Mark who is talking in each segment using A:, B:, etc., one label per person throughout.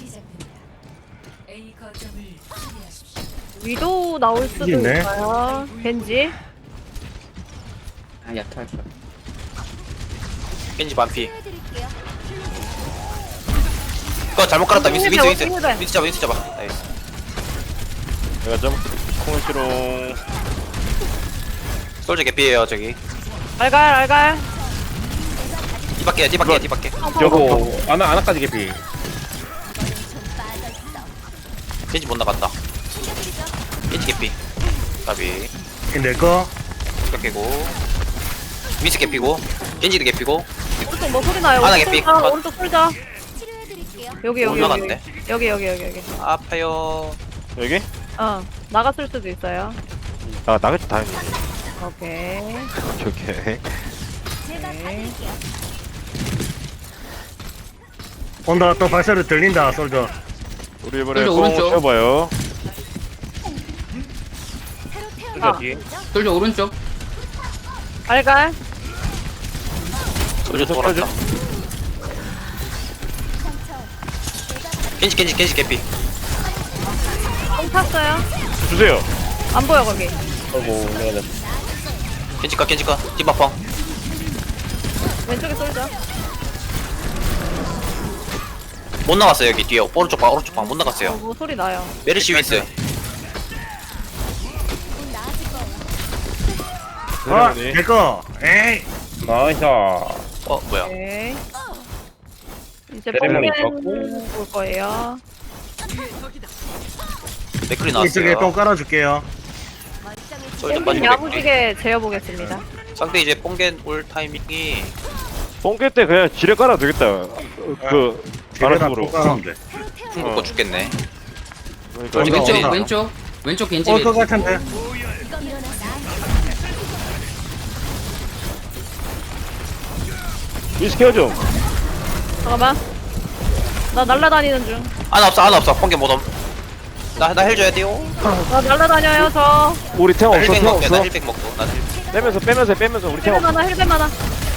A: 위도 나올 수도
B: 있네.
A: 있어요. 겐지.
C: 아 약탈 거야.
D: 겐지 반피. 그거 잘못 깔았다. 윈스 윈스 윈스 윈스 잡아 윈스 잡아. 나이스.
E: 내가 좀 콩시롱.
D: 솔저 개피에요 저기.
A: 알갈.
D: 뒤바퀴야 뒤바퀴야 뒤바퀴.
E: 저거 아나까지 개피.
D: 겐지 못 나갔다. 겐지 개피. 가비.
B: 내거
D: 이거 깨고. 윈스 개피고. 겐지도 개피고.
A: 오른쪽 뭐 소리 나요?
D: 하나
A: 오른쪽
D: 개피.
A: 쏠자, 오른쪽 쏠자. 여기
D: 올라갔네.
A: 여기.
D: 아파요.
E: 여기?
A: 나갔을 수도 있어요.
E: 아 나겠지 다행히.
A: 오케이.
E: 오케이.
A: 오케이.
B: 온다. 또 발소리 들린다. 솔저.
E: 우리 이번에
C: 솔저
E: 뽕
C: 오른쪽.
E: 쳐봐요.
A: 아.
C: 솔저 오른쪽.
A: 알갈.
D: 솔저 돌았다. 겐지 개피.
A: 뽕 탔어요.
E: 주세요.
A: 안 보여 거기.
E: 아이고 내가
D: 겐지 거 디바펑.
A: 왼쪽에 쏠자.
D: 못 나갔어요 여기 뒤에 오른쪽 방 못 나갔어요.
A: 뭐 소리 나요.
D: 메르시 윈스.
B: 아, 내거. 에이.
E: 나이스.
D: 뭐야?
A: 오케이. 이제
E: 세레머니
A: 뽕겐 올 거예요.
D: 맥클이
B: 이쪽에
D: 나왔어요.
B: 똥 깔아줄게요.
D: 솔저
A: 뽕겐
D: 빠지고 맥클이.
A: 야무지게 재어보겠습니다.
D: 상대 이제 뽕겐 올 타이밍이
E: 뽕깰 때 그냥 지뢰 깔아도 되겠다. 그
B: 뒤에다
E: 바라식으로.
B: 똥 깔아면 돼.
D: 풍 먹고 죽겠네.
E: 그러니까
D: 어디
C: 왼쪽
D: 겐지?
C: 왼쪽 겐지.
B: 올것 같은데.
E: 위스 케어 좀.
A: 잠깐만. 나 날라다니는 중.
D: 하나 없어 뽕겐 못옴. 나 헬줘야 돼요.
A: 나 날라다녀요 저.
E: 우리 탱
D: 나
E: 없어.
D: 힐백
E: 탱
D: 먹게. 나
E: 없어.
D: 힐백 먹고. 나 힐백.
E: 빼면서 우리 탱
A: 힐벤
E: 없어.
A: 하나 힐벤 하나.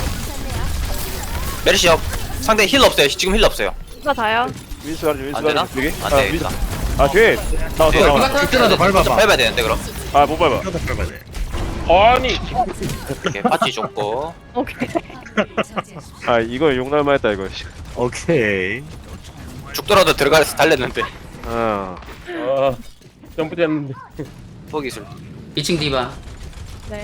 D: 메르시 업. 상대 힐 없어요. 지금 힐 없어요.
A: 이거 다요.
E: 위스 가지 위스
D: 안 되나?
E: 가지 여기.
D: 안
E: 아
D: 돼.
E: 위스. 아 뒤에 나왔어
D: 네.
E: 나왔어.
B: 이때라도 밟아봐.
D: 밟아야 되는데 그럼.
E: 아못 밟아.
B: 이때라도 밟아야 돼.
E: 아니.
D: 이렇게 파티 좋고.
A: 오케이.
E: 아 이거 용날만 했다 이거.
B: 오케이.
D: 죽더라도 들어가서 달랬는데.
E: 아.
F: 점프됐는데
D: 포기술.
C: 2층 디바.
A: 네.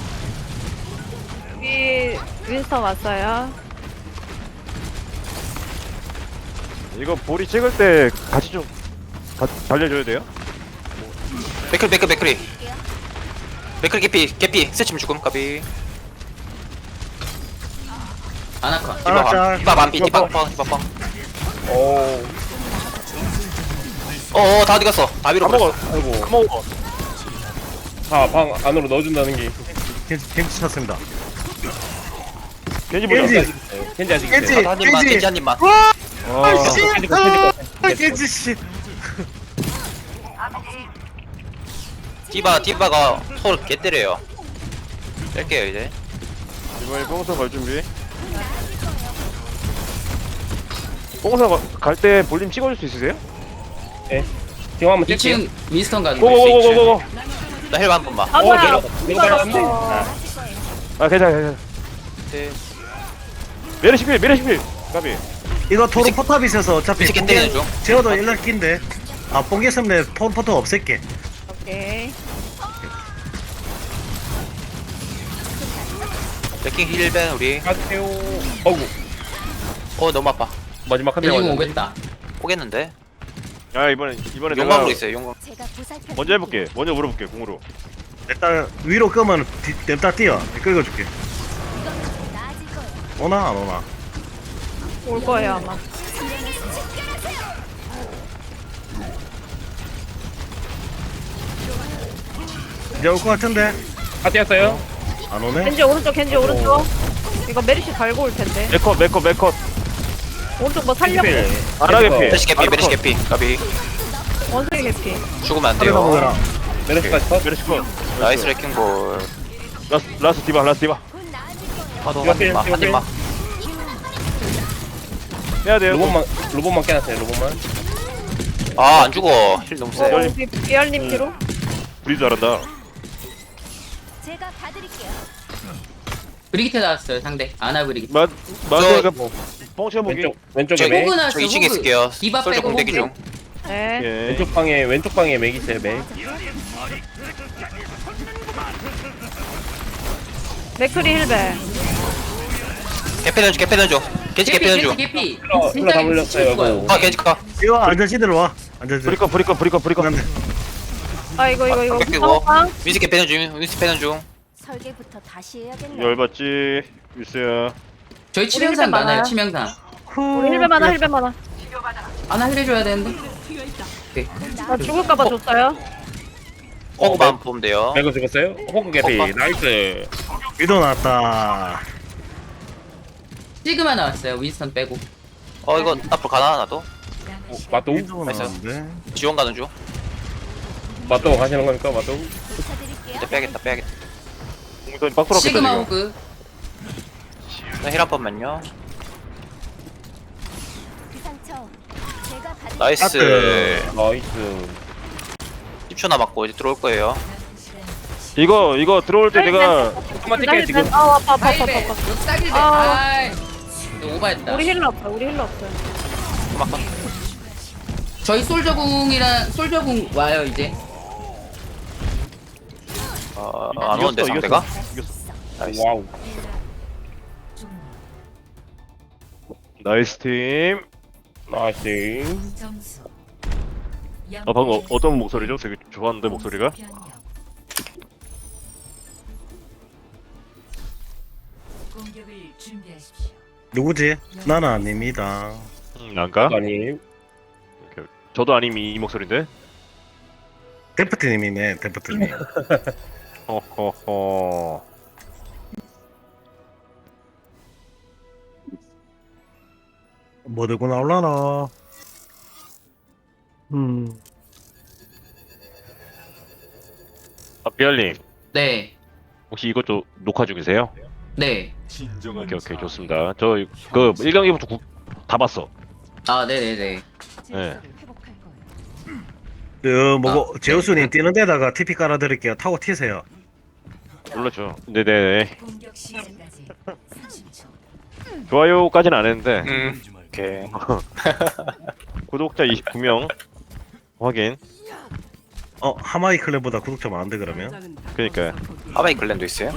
A: 여기 윈스턴 왔어요.
E: 이거 보리 찍을 때 같이 좀 달려줘야 돼요?
D: 맥클이. 맥클 개피. 스치면 죽음. 가비.
C: 아나카.
B: 짤.
D: 디바 반피. 디바펑.
E: 오.
D: 다 어디 갔어? 다 위로
E: 다 먹어.
D: 버렸어.
E: 아이고. 다 먹어.
F: 방 안으로 넣어준다는 게
B: 겐지 쳤습니다.
E: 겐지 보자.
B: 겐지.
F: 겐지 아직
B: 겐지.
F: 있어요.
D: 한 입만. 겐지 한 입만.
E: 아.
B: 씨.
F: 겐지 거.
B: 아, 겐지 씨.
D: 디바가 서로 개 때려요. 뺄게요 이제.
E: 이번에 뽕선 갈 준비. 뽕선 갈 때 볼륨 찍어줄 수 있으세요?
F: 지금 한번 뛸게요.
C: 2층 윈스턴 가는
E: 고고고고고고.
D: 나 헬바 한 번만.
A: 아 뭐야?
F: 밀어
A: 누가
F: 발랐네.
A: 났어?
E: 아 괜찮아.
D: 네.
E: 메르시필. 가비.
B: 이거 토르 포탑 있어서 어차피
D: 미치게 때리는 중.
B: 제어도 연락긴데. 아, 뽕겠으면 토르 포탑 없앨게.
A: 오케이.
D: 레킹 힐벤 우리.
F: 가세요. 어구
D: 너무 아파.
F: 마지막 한 대
C: 겐지 공
F: 맞았네.
C: 오겠다.
D: 포겠는데.
E: 야 이번에 내가
D: 용광로 있어요. 용광.
E: 먼저 해볼게. 먼저 물어볼게 공으로.
B: 일단 위로 끄면 냅다 뛰어. 끌어줄게. 오나 안 오나?
A: 올 거예요 아마.
B: 이제 올 것 같은데.
F: 다 뛰었어요.
B: 안 오네.
A: 겐지 오른쪽. 이거 메리시 달고 올 텐데.
E: 메컷.
A: 오른쪽 뭐 살려고.
E: 안하게 피.
D: 메르시 개피. 가비.
A: 원숭이 개피.
D: 죽으면 안
B: 하늘가
D: 돼요.
B: 보거라.
F: 메르스까지 컷.
E: 메르시 컷.
D: 나이스 레킹 볼.
E: 라스 디바.
D: 파도
F: 이거
D: 한 입만.
E: 해야 돼요.
F: 로봇만 깨놨어요. 로봇만.
D: 아 안 죽어. 힐 너무 세.
A: 우리 비알님 뒤로.
E: 브리드 잘한다.
G: 제가 봐드릴게요.
C: 브리기테 나왔어요 상대. 아나 브리기테.
E: 마드가 뻥쳐 보기.
F: 왼쪽에
D: 저기-
F: 맥.
C: 호그 나왔어.
D: 저 2층에
C: 호그.
D: 있을게요.
C: 디바
D: 솔저
C: 빼고
D: 공대기
C: 호그.
D: 중.
A: 네.
E: 오케이.
F: 왼쪽 방에 맥 있어요 맥.
A: 맥크리 힐베.
D: 개패는 줘. 개패는 줘. 겐지 개패는 줘.
C: 개피.
F: 힐러 다 물렸어요.
C: 죽어요.
F: 이거.
D: 아 겐지 카.
B: 이거 안전시대로 와. 안전시대.
E: 브리커.
B: 안돼.
A: 아 이거.
D: 뺏기고.
A: 상황.
D: 윈스 개패는 중. 윈스 패는 중.
G: 설계부터 다시 해야겠네.
E: 열받지. 유스야.
C: 저희 치명상
A: 힐벤
C: 많아요.
A: 많아요.
C: 치명상.
A: 우리 힐베 많아 힐베 많아.
C: 아나 힐해줘야 되는데.
A: 나 죽을까봐 줬어요.
D: 호그만 보면 돼요.
F: 맥을 죽었어요? 호그 개피.
D: 호그.
F: 나이스.
B: 위도 나왔다.
C: 시그마 나왔어요. 윈스턴 빼고.
D: 이거 앞으로 가나 나도.
F: 맞도?
B: 위도
D: 나이스.
B: 나왔는데.
D: 지원 가는 중.
F: 맞도 가시는 겁니까? 맞도?
G: 붙여드릴게요.
D: 이제 빼야겠다.
E: 공선이 빡돌았겠다
C: 시그마
E: 지금.
C: 호그.
D: 힐 한 번만요.
G: 그 상처 제가 봐드릴게요.
D: 나이스.
F: 나이스.
D: 10초 남았고 이제 들어올 거예요.
E: 이거 들어올 때 내가
F: 조금만 뛸게요 지금.
A: 아 아파.
C: 하이베. 딱일베.
A: 아.
C: 아이. 이거 오바했다.
A: 우리 힐러 없어. 우리 힐러 없어요.
D: 그만큼.
C: 저희 솔저궁이랑 솔저궁 와요 이제.
D: 안 오는데 상대가.
E: 이겼어.
D: 나이스.
F: 와우.
E: 나이스 팀.
F: 나이스.
E: 방금 어떤 목소리죠? 되게 좋았는데 목소리가.
H: 공격을 준비하십시오.
B: 누구지? 나는 아닙니다.
E: 난가?
F: 아니.
E: 저도 아님 이 목소리인데.
B: 데프트님이네. 데프트님.
E: 허허허.
B: 뭐 들고 나올라나?
E: 비알님
C: 네.
E: 혹시 이것도 녹화 중이세요?
C: 네.
E: 오케이 좋습니다. 저 그 1경기부터 다 봤어.
C: 아 네네네.
E: 네.
H: 회복할 거예요.
B: 그 뭐고 제우스님 뛰는 데다가 TP 깔아드릴게요. 타고 튀세요.
E: 놀랐죠. 네네.
H: 공격 시작까지 30초.
E: 좋아요까지는 안 했는데
D: 오케이.
E: 구독자 29명 확인.
B: 하마이 클랩보다 구독자 많은데 그러면?
E: 그러니까요.
D: 하바이 글랜도 있어요.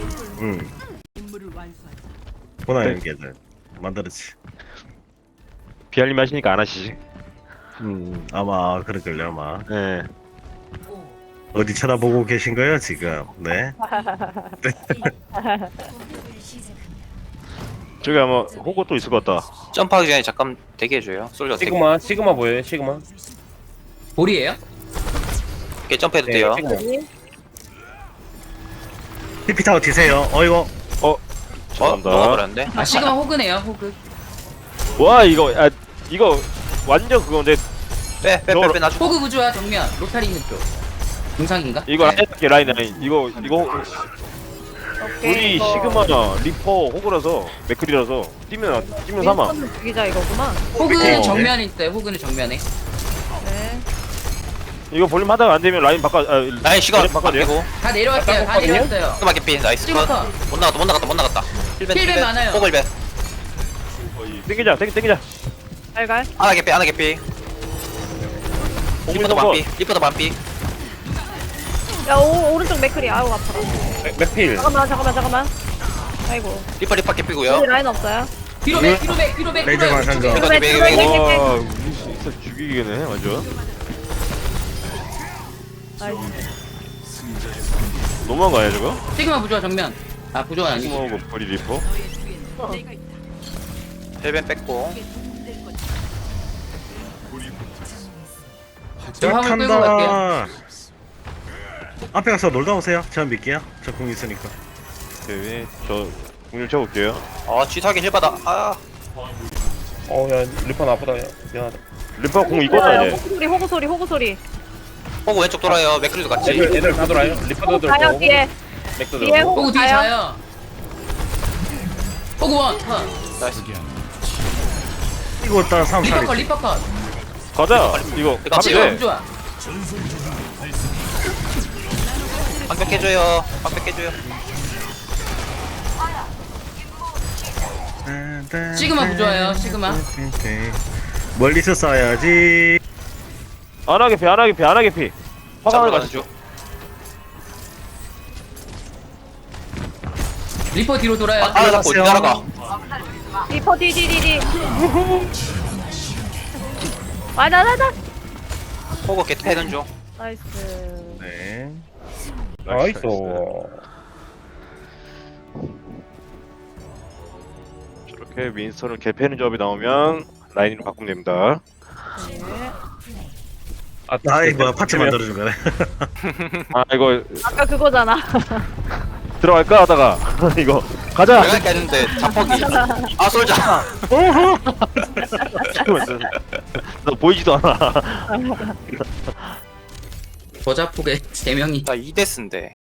B: 보나요 걔들 만들었지.
E: 비알님 하시니까 안 하시지.
B: 아마 그럴걸요 아마.
E: 네.
B: 어디 쳐다보고 계신 거예요 지금? 네.
H: 공격을 시작합니다.
E: 저기 아마 호구 또 있을 것 같다.
D: 점프하기 전에 잠깐 대기해줘요. 솔저 대기.
F: 시그마 보여요? 시그마?
C: 볼이에요?
D: 이렇게 점프해도
F: 네,
D: 돼요.
F: 시그마.
B: TP 타고 튀세요. 이거
E: 죄송합니다.
D: 먹어버렸는데.
C: 아 시그마 호그네요. 호그.
E: 와 이거 완전 그건데
D: 빼 나중.
C: 호그 부조화 정면. 로타리 있는 쪽. 중상인가?
E: 이거
C: 네.
E: 라인 이거 우리 시그마나 리퍼 호구라서 맥클이라서 뛰면 사망.
A: 윈스턴 죽이자 이거구나.
C: 호그는
E: 어.
C: 정면에 있어요. 호그는 정면에.
A: 네.
E: 이거 볼륨 하다가 안 되면 라인 바꿔.
D: 라인 시간
E: 바꿔줘요.
D: 바뀌고.
C: 다 내려왔어요. 다
F: 깎았거든요?
C: 내려왔어요.
D: 스마게피 나이스 컷.
C: 시그마.
D: 못 나갔다.
C: 힐벤 많아요.
D: 호글벤.
E: 땡기자.
A: 잘갈.
D: 하나 개피. 리퍼도 반피.
A: 야 오른쪽 맥크리. 아우 아파라.
F: 맥필.
A: 잠깐만. 아이고.
D: 리퍼 개피고요.
A: 우리 라인 없어요.
C: 뒤로 백.
B: 레이저 관상점.
D: 이거
A: 맥,
D: 맥.
E: 와 우리 진짜 죽이겠네 완전. 너무한 거 아니야 저거?
C: 시그마 부조화 정면. 아 부조화 아니고.
E: 시그마하고 버리 리퍼.
D: 헬벤 뺐고.
C: 저 화물 끌고 갈게요.
B: 탄다. 앞에 가서 놀다 오세요. 제가 믿게요. 저 공 있으니까.
E: 오케이 저 공률 쳐볼게요.
D: 쥐사기 힐 받아.
F: 야 리퍼 나쁘다. 미안하다.
E: 리퍼 공 이거다 이제.
A: 호구 소리.
D: 호그 왼쪽 돌아요. 맥크리도 같이.
F: 애들 다 돌아요. 리퍼도
A: 가요
F: 돌고.
A: 뒤에.
F: 맥도
A: 뒤에
F: 돌고.
C: 호그 뒤에
A: 가요.
C: 자요. 호그 원. 컷.
D: 나이스.
B: 이거 따라 3
C: 리퍼
B: 살이.
C: 컷. 리퍼 컷.
E: 가자. 이거
D: 이거
E: 가면
C: 지금
E: 돼.
C: 너무 좋아.
D: 방벽 깨줘요. 방벽 깨줘요.
C: 시그마 부조화요, 시그마.
B: 멀리서 쏴야지.
E: 안 하게 피, 안 하게 피, 안 하게 피. 화강을
D: 가는
E: 가시죠.
D: 중.
C: 리퍼 뒤로 돌아요.
D: 하나 잡고 어디 날아가.
A: 리퍼 디디디디. 맞아.
D: 호그 개트 패는 중.
A: 나이스.
B: 네.
F: 나이스.
E: 저렇게 윈스턴을 개패는 조합이 나오면 라인으로 바꾸면 됩니다.
B: 아이 뭐 파츠 만들어준 거네.
E: 아 이거
A: 아까 그거잖아.
E: 들어갈까 하다가 이거 가자.
D: 내가 깼는데 자폭이. 아 솔자.
E: 너 보이지도 않아.
C: 저자폭에 3명이.
D: 나 2데스인데.